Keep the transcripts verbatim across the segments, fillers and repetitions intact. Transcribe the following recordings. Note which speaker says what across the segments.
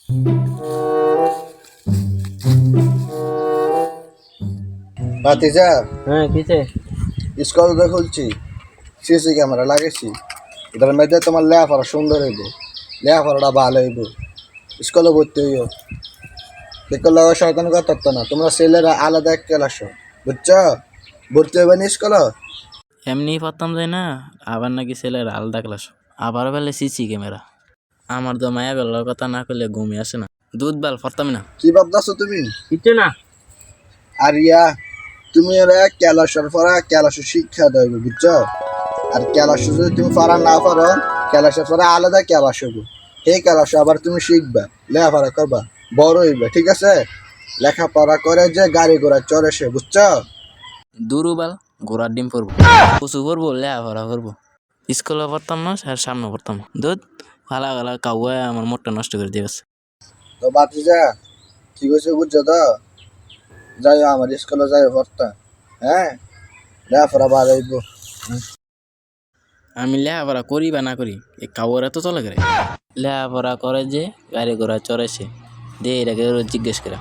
Speaker 1: ভাতিজা,
Speaker 2: হ্যাঁ কিসে?
Speaker 1: স্কুল তো খুলছি, সিসি ক্যামেরা লাগাইছি। এটার মধ্যে তোমার লেখাপড়া সুন্দর হইব, লেখাপড়াটা ভালো হইব, স্কুলে ভর্তি হইব। দেখো লগা শয়তান কথা না, তোমরা ছেলেরা আলাদা এক ক্লাস, বুঝছো? ভর্তি হইবে না স্কুল।
Speaker 2: এমনি পারতাম যাই না, আবার নাকি ছেলের আলাদা ক্লাস, আবার বেলে সিসি ক্যামেরা। আমার তো মায়া বেলার কথা না করলে ঘুমিয়ে আসে না, দুধ বাল পারতাম না।
Speaker 1: কি ভাবতেছো তুমি?
Speaker 2: কিছু না।
Speaker 1: আর ইয়া, তুমি এরা ক্যালাসের পড়া ক্যালাসের শিক্ষা দেবে, বুঝছো? আর ক্যালাস যদি তুমি পড়া না পারো, ক্যালাসের পরে আলাদা ক্যালাস হবো। সেই ক্যালাস আবার তুমি শিখবা, লেখাপড়া করবা, বড় হইবা, ঠিক আছে? লেখাপড়া করে যে গাড়ি ঘোড়া চড়ে সে, বুঝছো?
Speaker 2: দুরু বাল ঘোড়ার ডিম পরবো, কচু পরবো, লেয়া ভরা করবো। স্কুলে পড়তাম না, আর সামনে পড়তাম না। দুধ ভালা ভালা কাউয়া আমার মোটটা নষ্ট করে দিয়ে গেছে।
Speaker 1: তো বাতিজা, ঠিক আছে, বুঝছো তো? যাই আমার স্কুলে যাই পড়তা, হ্যাঁ? লেখাপড়া ভালো হইব।
Speaker 2: আমি লেখাপড়া করি বা না করি, এই কাউরা তো চলে গেলে। লেখাপড়া করে যে গাড়ি ঘোড়া চড়ে সে, দে এটাকে রোজ জিজ্ঞেস করে।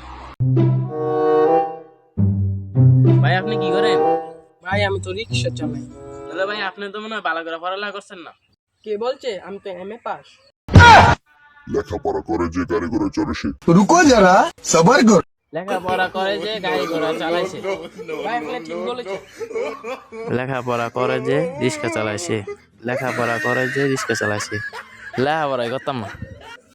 Speaker 2: ভাই আপনি কি করেন?
Speaker 3: ভাই আমি তো রিক্সা চালাই।
Speaker 2: দাদা ভাই আপনি তো মনে হয় ভালো করে পড়ালেখা করছেন না।
Speaker 3: কে বলছে? আমি তো এম এ পাস।
Speaker 4: লেখাপড়া করে যে গাড়ি ঘোড়া চড়ে সে।
Speaker 5: रुको जरा सबर करो।
Speaker 2: লেখাপড়া করে যে গাড়ি ঘোড়া চালাইছে।
Speaker 3: ভাই আপনি ঠিক বলেছে।
Speaker 2: লেখাপড়া করে যে রিক্সা চালাইছে। লেখাপড়া করে যে রিক্সা চালাইছে। লেখাপড়াই করতাম না।